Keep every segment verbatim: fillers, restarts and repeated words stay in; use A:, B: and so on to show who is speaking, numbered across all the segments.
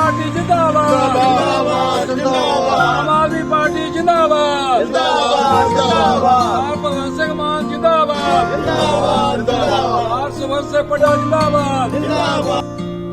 A: Party जिंदाबाद, आम आदमी पार्टी जिंदाबाद, भगवंत सिंह मान जिंदाबाद, हर्षवर्धन सिंह पटेल जिंदाबाद।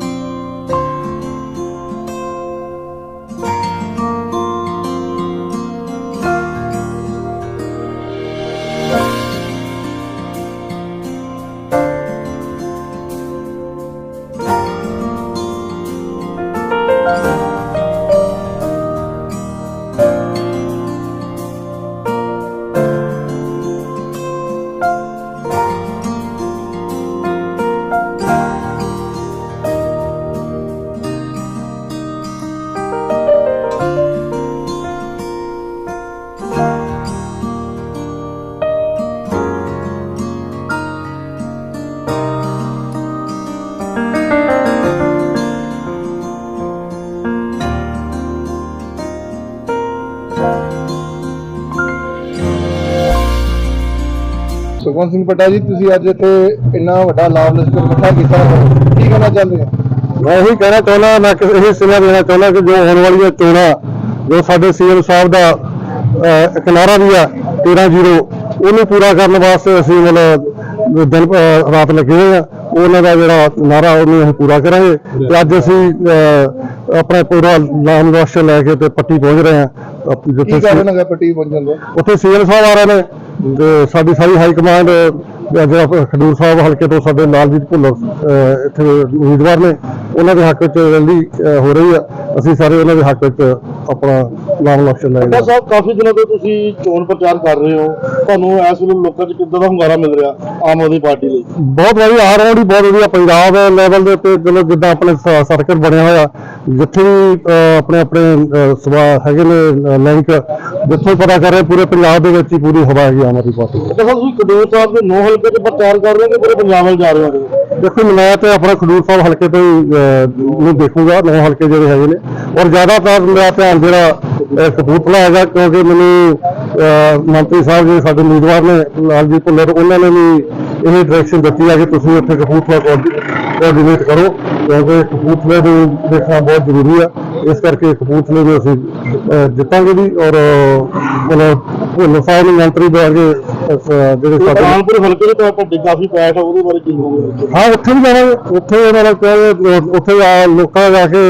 B: ਸੁਖਵੰਤ ਸਿੰਘ ਪਟਾ ਜੀ, ਤੁਸੀਂ ਅੱਜ ਇੱਥੇ ਇੰਨਾ ਵੱਡਾ ਲਾਭ ਲਸ਼ਕਰ ਇਕੱਠਾ ਕੀਤਾ, ਕੀ ਕਹਿਣਾ ਚਾਹੁੰਦੇ ਹੋ?
C: ਮੈਂ ਇਹੀ ਕਹਿਣਾ ਚਾਹੁੰਦਾ, ਮੈਂ ਇਹ ਸਿਲਾ ਦੇਣਾ ਚਾਹੁੰਦਾ ਕਿ ਜੋ ਆਉਣ ਵਾਲੀਆਂ ਚੋਣਾਂ, ਜੋ ਸਾਡੇ ਸੀਐਮ ਸਾਹਿਬ ਦਾ ਇੱਕ ਨਾਅਰਾ ਵੀ ਆ ਤੇਰਾਂ ਜ਼ੀਰੋ, ਉਹਨੂੰ ਪੂਰਾ ਕਰਨ ਵਾਸਤੇ ਅਸੀਂ ਮਤਲਬ ਦਿਨ ਰਾਤ ਲੱਗੇ ਹੋਏ ਆ। ਉਹਨਾਂ ਦਾ ਜਿਹੜਾ ਨਾਅਰਾ ਉਹਨੂੰ ਅਸੀਂ ਪੂਰਾ ਕਰਾਂਗੇ। ਤੇ ਅੱਜ ਅਸੀਂ ਆਪਣਾ ਪੂਰਾ ਲਾਮ ਰਾਸ਼ਟਰ ਲੈ ਕੇ ਤੇ ਪੱਟੀ ਪਹੁੰਚ ਰਹੇ ਹਾਂ।
B: ਕੀ ਕਾਰਨ ਹੈਗਾ ਪੱਟੀ ਪਹੁੰਚਣ ਦਾ?
C: ਉੱਥੇ ਸੀਐਮ ਸਾਹਿਬ ਆ ਰਹੇ ਨੇ ਤੇ ਸਾਡੀ ਸਾਰੀ ਹਾਈ ਕਮਾਂਡ, ਜਿਹੜਾ ਖਡੂਰ ਸਾਹਿਬ ਹਲਕੇ ਤੋਂ ਸਾਡੇ ਲਾਲਜੀਤ ਭੁੱਲਰ ਇੱਥੇ ਉਮੀਦਵਾਰ ਨੇ, ਉਹਨਾਂ ਦੇ ਹੱਕ ਵਿੱਚ ਰੈਲੀ ਹੋ ਰਹੀ ਆ। ਅਸੀਂ ਸਾਰੇ ਉਹਨਾਂ ਦੇ ਹੱਕ ਵਿੱਚ ਆਪਣਾ ਨਾਮ ਇਲੈਕਸ਼ਨ ਲੈ ਰਹੇ ਹਾਂ।
D: ਸਾਹਿਬ, ਕਾਫੀ ਦਿਨਾਂ ਤੋਂ ਤੁਸੀਂ ਚੋਣ ਪ੍ਰਚਾਰ ਕਰ ਰਹੇ ਹੋ, ਤੁਹਾਨੂੰ ਇਸ ਵੇਲੇ ਲੋਕਾਂ 'ਚ ਕਿੱਦਾਂ ਦਾ ਹੁੰਗਾਰਾ ਮਿਲ ਰਿਹਾ ਆਮ ਆਦਮੀ ਪਾਰਟੀ ਲਈ?
C: ਬਹੁਤ ਵਧੀਆ, ਆ ਰਿਹਾ ਬਹੁਤ ਵਧੀਆ। ਪੰਜਾਬ ਲੈਵਲ ਦੇ ਉੱਤੇ ਚਲੋ ਜਿੱਦਾਂ ਆਪਣੇ ਸਰਕਲ ਬਣਿਆ ਹੋਇਆ, ਜਿੱਥੇ ਵੀ ਆਪਣੇ ਆਪਣੇ ਸਭਾ ਹੈਗੇ ਨੇ ਲਿੰਕ, ਜਿੱਥੋਂ ਪਤਾ ਕਰ ਰਹੇ ਪੂਰੇ ਪੰਜਾਬ ਦੇ ਵਿੱਚ ਹੀ ਪੂਰੀ ਹਵਾ ਹੈਗੀ ਆਮ ਆਦਮੀ ਪਾਰਟੀ।
D: ਤੁਸੀਂ ਖਡੂਰ ਸਾਹਿਬ ਦੇ ਨੌ ਹਲਕੇ 'ਚ ਪ੍ਰਚਾਰ ਕਰ ਰਹੇ ਹੋ ਕਿ ਪੂਰੇ ਪੰਜਾਬ ਵੱਲ ਜਾ ਰਹੇ ਹੋ?
C: ਦੇਖੋ, ਮੈਂ ਤੇ ਆਪਣਾ ਖਡੂਰ ਸਾਹਿਬ ਹਲਕੇ ਤੋਂ ਹੀ ਨੂੰ ਦੇਖੂਗਾ, ਨੌ ਹਲਕੇ ਜਿਹੜੇ ਹੈਗੇ ਨੇ, ਔਰ ਜ਼ਿਆਦਾਤਰ ਮੇਰਾ ਧਿਆਨ ਜਿਹੜਾ ਕਪੂਰਥਲਾ ਹੈਗਾ, ਕਿਉਂਕਿ ਮੈਨੂੰ ਮੰਤਰੀ ਸਾਹਿਬ ਜਿਹੜੇ ਸਾਡੇ ਉਮੀਦਵਾਰ ਨੇ ਲਾਲਜੀਤ ਭੁੱਲਰ, ਉਹਨਾਂ ਨੇ ਵੀ ਇਹ ਡਾਇਰੈਕਸ਼ਨ ਦਿੱਤੀ ਹੈ ਕਿ ਤੁਸੀਂ ਉੱਥੇ ਕਪੂਰਥਲਾ ਕੋਆਰਡੀਨੇਟ ਕਰੋ, ਕਿਉਂਕਿ ਕਪੂਰਥਲੇ ਨੂੰ ਦੇਖਣਾ ਬਹੁਤ ਜ਼ਰੂਰੀ ਆ। ਇਸ ਕਰਕੇ ਕਪੂਰਥਲੇ ਨੂੰ ਅਸੀਂ ਜਿੱਤਾਂਗੇ ਵੀ। ਔਰ ਮਤਲਬ ਭੁੱਲਰ ਸਾਹਿਬ ਨੂੰ ਮੰਤਰੀ ਬਣਾ ਕੇ ਜਿਹੜੇ ਸਾਡੇ
D: ਕਾਨਪੁਰ ਹਲਕੇ ਦੇ ਤੁਹਾਡੀ ਕਾਫੀ ਪੈਠ, ਉਹਦੇ ਬਾਰੇ ਕੀ ਕਹੋਗੇ?
C: ਹਾਂ, ਉੱਥੇ ਵੀ ਜਾਵਾਂਗੇ। ਉੱਥੇ ਉਹਨਾਂ ਨੇ ਕਿਹਾ, ਉੱਥੇ ਲੋਕਾਂ ਜਾ ਕੇ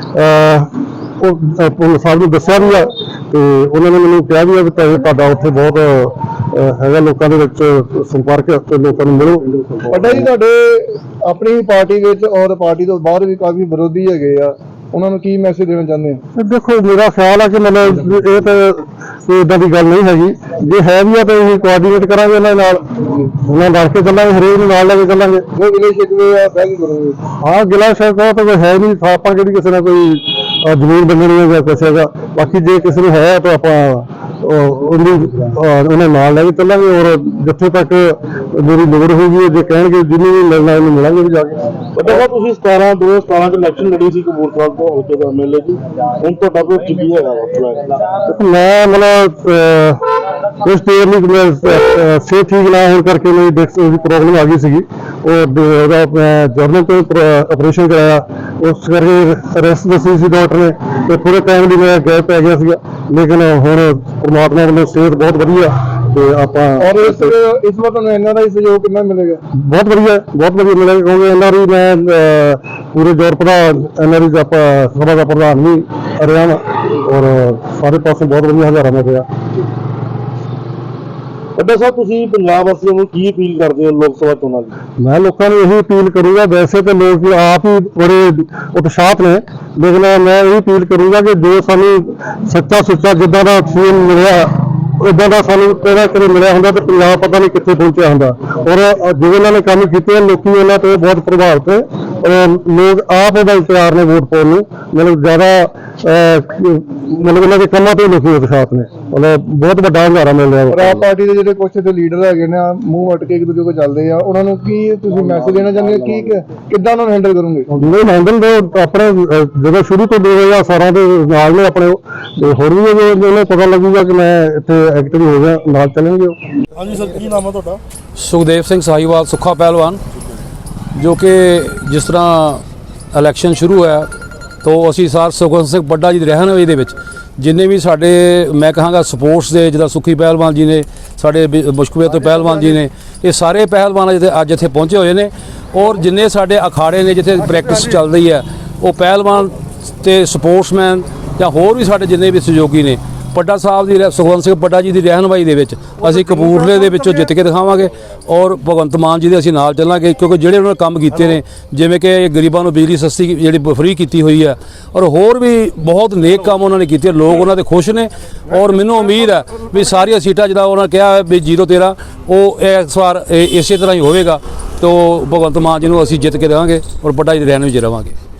C: ਉਹ ਭੁੱਲਰ ਸਾਹਿਬ ਨੂੰ ਦੱਸਿਆ ਵੀ ਆ, ਤੇ ਉਹਨਾਂ ਨੇ ਮੈਨੂੰ ਕਿਹਾ ਵੀ ਆ ਵੀ ਤੁਹਾਡਾ ਉੱਥੇ ਬਹੁਤ ਹੈਗਾ ਲੋਕਾਂ ਦੇ ਵਿੱਚ ਸੰਪਰਕ, ਤੇ ਲੋਕਾਂ ਨੂੰ ਮਿਲੋ।
B: ਪਟਾ ਜੀ, ਤੁਹਾਡੇ ਆਪਣੀ ਪਾਰਟੀ ਵਿੱਚ ਔਰ ਪਾਰਟੀ ਤੋਂ ਬਾਹਰ ਵੀ ਕਾਫੀ ਵਿਰੋਧੀ ਹੈਗੇ ਆ, ਉਹਨਾਂ ਨੂੰ ਕੀ ਮੈਸੇਜ ਦੇਣਾ ਚਾਹੁੰਦੇ ਹੋ?
C: ਦੇਖੋ, ਮੇਰਾ ਖਿਆਲ ਆ ਕਿ ਮਤਲਬ ਇਹ ਤਾਂ ਕੋਈ ਏਦਾਂ ਦੀ ਗੱਲ ਨਹੀਂ ਹੈਗੀ। ਜੇ ਹੈ ਵੀ ਆ ਤਾਂ ਅਸੀਂ ਕੋਆਰਡੀਨੇਟ ਕਰਾਂਗੇ ਉਹਨਾਂ ਨਾਲ, ਉਹਨਾਂ ਨਾਲ ਕੇ ਚੱਲਾਂਗੇ, ਹਰੇਕ ਨੂੰ ਨਾਲ ਲੈ ਕੇ ਚੱਲਾਂਗੇ।
B: ਜੋ ਗਿਲੇ ਸ਼ਿਕਵੇ ਆ ਬਹਿ ਕੇ ਕਰੋਗੇ?
C: ਹਾਂ, ਗਿਲਾ ਸ਼ਿਕਵਾ ਤਾਂ ਕੋਈ ਹੈ ਨਹੀਂ, ਆਪਾਂ ਕਿਹੜੀ ਕਿਸੇ ਨਾਲ ਕੋਈ ਜ਼ਮੀਨ ਬੰਨਣੀ ਹੈ ਜਾਂ ਕੁਛ ਹੈਗਾ। ਬਾਕੀ ਜੇ ਕਿਸੇ ਨੂੰ ਹੈ ਤਾਂ ਆਪਾਂ ਉਹਦੀ ਉਹਨਾਂ ਨਾਲ ਲੈ ਕੇ ਚੱਲਾਂਗੇ, ਔਰ ਜਿੱਥੇ ਤੱਕ ਮੇਰੀ ਲੋੜ ਹੋਊਗੀ, ਜੇ ਕਹਿਣਗੇ ਜਿਹਨੂੰ ਵੀ ਮਿਲਣਾ ਉਹਨੂੰ ਮਿਲਾਂਗੇ ਵੀ ਜਾ ਕੇ।
D: ਪਤਾ ਤੁਸੀਂ ਸਤਾਰਾਂ ਦੋ ਹਜ਼ਾਰ ਸਤਾਰਾਂ 'ਚ ਇਲੈਕਸ਼ਨ ਲੜੀ ਸੀ ਕਪੂਰਥਲਾ ਤੋਂ ਹਲਕੇ ਦਾ ਐਮਐਲਏ ਜੀ, ਹੁਣ ਤੁਹਾਡਾ ਕੋਈ ਕੀ ਹੈਗਾ?
C: ਮੈਂ ਮਤਲਬ ਕੁਛ ਦੇਰ ਲਈ ਸਿਹਤ ਠੀਕ ਨਾ ਹੋਣ ਕਰਕੇ ਮੇਰੀ ਡਿਸਕ ਦੀ ਪ੍ਰੋਬਲਮ ਆ ਗਈ ਸੀਗੀ, ਉਹਦਾ ਮੈਂ ਜਰਨਲ ਤੋਂ ਆਪਰੇਸ਼ਨ ਕਰਾਇਆ, ਉਸ ਕਰਕੇ ਰੈਸਟ ਦੱਸੀ ਸੀ ਡਾਕਟਰ ਨੇ, ਤੇ ਥੋੜੇ ਟਾਈਮ ਲਈ ਮੈਂ ਗੈਪ ਪੈ ਗਿਆ ਸੀਗਾ। ਲੇਕਿਨ ਹੁਣ ਪਰਮਾਤਮਾ ਵੱਲੋਂ ਸਿਹਤ ਬਹੁਤ ਵਧੀਆ, ਤੇ ਆਪਾਂ
B: ਔਰ ਇਸ ਇਸ ਵਾਰ ਤੁਹਾਨੂੰ ਇਹਨਾਂ ਦਾ ਹੀ ਸਹਿਯੋਗ ਕਿੰਨਾ ਮਿਲੇਗਾ?
C: ਬਹੁਤ ਵਧੀਆ, ਬਹੁਤ ਵਧੀਆ ਮਿਲੇਗਾ, ਕਿਉਂਕਿ ਇਹਨਾਂ ਦੀ ਮੈਂ ਪੂਰੇ ਯੂਰਪ ਦਾ ਇਹਨਾਂ ਦੀ ਆਪਾਂ ਸਭਾ ਦਾ ਪ੍ਰਧਾਨ ਵੀ ਰਿਹਾ ਵਾ, ਔਰ ਸਾਰੇ ਪਾਸੋਂ ਬਹੁਤ ਵਧੀਆ ਹਜ਼ਾਰਾ ਮਿਲ ਰਿਹਾ।
D: ਅੱਡਾ ਸਾਹਿਬ, ਤੁਸੀਂ ਪੰਜਾਬ ਵਾਸੀਆਂ ਨੂੰ ਕੀ ਅਪੀਲ ਕਰਦੇ ਹੋ ਲੋਕ ਸਭਾ ਚੋਣਾਂ ਦੀ?
C: ਮੈਂ ਲੋਕਾਂ ਨੂੰ ਇਹੀ ਅਪੀਲ ਕਰੂੰਗਾ, ਵੈਸੇ ਤਾਂ ਲੋਕ ਆਪ ਹੀ ਬੜੇ ਉਤਸ਼ਾਹਤ ਨੇ, ਲੇਕਿਨ ਮੈਂ ਇਹ ਅਪੀਲ ਕਰੂੰਗਾ ਕਿ ਜੋ ਸਾਨੂੰ ਸੱਚਾ ਸੁੱਚਾ ਜਿੱਦਾਂ ਦਾ ਸੀਐਮ ਮਿਲਿਆ, ਇਦਾਂ ਦਾ ਸਾਨੂੰ ਕਿਹੜਾ ਕਿਤੇ ਮਿਲਿਆ ਹੁੰਦਾ ਤਾਂ ਪੰਜਾਬ ਪਤਾ ਨਹੀਂ ਕਿੱਥੇ ਪਹੁੰਚਿਆ ਹੁੰਦਾ। ਔਰ ਜੋ ਇਹਨਾਂ ਨੇ ਕੰਮ ਕੀਤੇ, ਲੋਕੀ ਉਹਨਾਂ ਤੋਂ ਬਹੁਤ ਪ੍ਰਭਾਵਿਤ ਹੈ, ਔਰ ਲੋਕ ਆਪ ਉਹਦਾ ਤਿਆਰ ਨੇ ਵੋਟ ਪਾਉਣ ਨੂੰ। ਮਤਲਬ ਜ਼ਿਆਦਾ ਮਤਲਬ ਇਹਨਾਂ ਦੇ ਕੰਮਾਂ ਤੋਂ ਲੋਕੀ ਉਤਸ਼ਾਹਤ ਨੇ, ਮਤਲਬ ਬਹੁਤ ਵੱਡਾ ਹੰਗਾਰਾ ਮਿਲ ਰਿਹਾ।
B: ਔਰ ਆਪ ਪਾਰਟੀ ਦੇ ਜਿਹੜੇ ਕੁਛ ਤੇ ਲੀਡਰ ਹੈਗੇ ਨੇ, ਮੂੰਹ ਵੱਟ ਕੇ ਇੱਕ ਦੂਜੇ ਕੋਲ ਚੱਲਦੇ ਆ, ਉਹਨਾਂ ਨੂੰ ਕੀ ਤੁਸੀਂ ਮੈਸੇਜ ਦੇਣਾ ਚਾਹੁੰਦੇ ਹੋ? ਕੀ ਕਿੱਦਾਂ ਉਹਨਾਂ ਨੂੰ ਹੈਂਡਲ ਕਰੋਗੇ?
C: ਨਹੀਂ, ਹੈਂਡਲ ਦੇ ਆਪਣੇ ਜਦੋਂ ਸ਼ੁਰੂ ਤੋਂ ਦੋ ਹਜ਼ਾਰ ਸਤਾਰਾਂ ਦੇ ਨਾਲ ਨੇ ਆਪਣੇ, ਤੇ ਹੋਰ ਵੀ ਉਹਨੂੰ ਪਤਾ ਲੱਗੂਗਾ ਕਿ ਮੈਂ ਇੱਥੇ ਐਕਟਿਵ ਹੋ ਗਿਆ, ਨਾਲ ਚੱਲਣਗੇ।
D: ਹਾਂਜੀ ਸਰ, ਕੀ ਨਾਮ ਹੈ ਤੁਹਾਡਾ?
A: ਸੁਖਦੇਵ ਸਿੰਘ ਸਾਹੀਵਾਲ, ਸੁੱਖਾ ਪਹਿਲਵਾਨ, ਜੋ ਕਿ ਜਿਸ ਤਰ੍ਹਾਂ ਇਲੈਕਸ਼ਨ ਸ਼ੁਰੂ ਹੋਇਆ ਤੋਂ ਅਸੀਂ ਸਰ ਸੁਖਵੰਤ ਸਿੰਘ ਬੱਡਾ ਜੀ ਦੇ ਰਹਿਨੁਮਾਈ ਦੇ ਵਿੱਚ ਜਿੰਨੇ ਵੀ ਸਾਡੇ ਮੈਂ ਕਹਾਂਗਾ ਸਪੋਰਟਸ ਦੇ ਜਿੱਦਾਂ ਸੁੱਖੀ ਪਹਿਲਵਾਨ ਜੀ ਨੇ, ਸਾਡੇ ਮੁਸ਼ਕਵੇ ਤੋਂ ਪਹਿਲਵਾਨ ਜੀ ਨੇ, ਇਹ ਸਾਰੇ ਪਹਿਲਵਾਨ ਜਿੱਥੇ ਅੱਜ ਇੱਥੇ ਪਹੁੰਚੇ ਹੋਏ ਨੇ। ਔਰ ਜਿੰਨੇ ਸਾਡੇ ਅਖਾੜੇ ਨੇ ਜਿੱਥੇ ਪ੍ਰੈਕਟਿਸ ਚੱਲ ਰਹੀ ਹੈ, ਉਹ ਪਹਿਲਵਾਨ ਤੇ ਸਪੋਰਟਸਮੈਨ ਜਾਂ ਹੋਰ ਵੀ ਸਾਡੇ ਜਿੰਨੇ ਵੀ ਸਹਿਯੋਗੀ ਨੇ, ਪੱਡਾ ਸਾਹਿਬ ਦੀ ਸੁਖਵੰਤ ਸਿੰਘ ਪੱਡਾ ਜੀ ਦੀ ਰਹਿਨੁਮਾਈ ਦੇ ਵਿੱਚ ਅਸੀਂ ਕਪੂਰਥਲੇ ਦੇ ਵਿੱਚੋਂ ਜਿੱਤ ਕੇ ਦਿਖਾਵਾਂਗੇ। ਔਰ ਭਗਵੰਤ ਮਾਨ ਜੀ ਦੇ ਅਸੀਂ ਨਾਲ ਚੱਲਾਂਗੇ, ਕਿਉਂਕਿ ਜਿਹੜੇ ਉਹਨਾਂ ਨੇ ਕੰਮ ਕੀਤੇ ਨੇ, ਜਿਵੇਂ ਕਿ ਗਰੀਬਾਂ ਨੂੰ ਬਿਜਲੀ ਸਸਤੀ ਜਿਹੜੀ ਫ੍ਰੀ ਕੀਤੀ ਹੋਈ ਹੈ, ਔਰ ਹੋਰ ਵੀ ਬਹੁਤ ਨੇਕ ਕੰਮ ਉਹਨਾਂ ਨੇ ਕੀਤੇ। ਲੋਕ ਉਹਨਾਂ ਦੇ ਖੁਸ਼ ਨੇ ਔਰ ਮੈਨੂੰ ਉਮੀਦ ਹੈ ਵੀ ਸਾਰੀਆਂ ਸੀਟਾਂ ਜਿਹੜਾ ਉਹਨਾਂ ਨੇ ਕਿਹਾ ਵੀ ਜ਼ੀਰੋ ਤੇਰਾਂ ਉਹ ਇਸ ਵਾਰ ਇਸੇ ਤਰ੍ਹਾਂ ਹੀ ਹੋਵੇਗਾ। ਤੋਂ ਭਗਵੰਤ ਮਾਨ ਜੀ ਨੂੰ ਅਸੀਂ ਜਿੱਤ ਕੇ ਦੇਵਾਂਗੇ ਔਰ ਪੱਡਾ ਜੀ ਦੇ ਰਹਿਨੁਮਾਈ 'ਚ ਰਵਾਂਗੇ।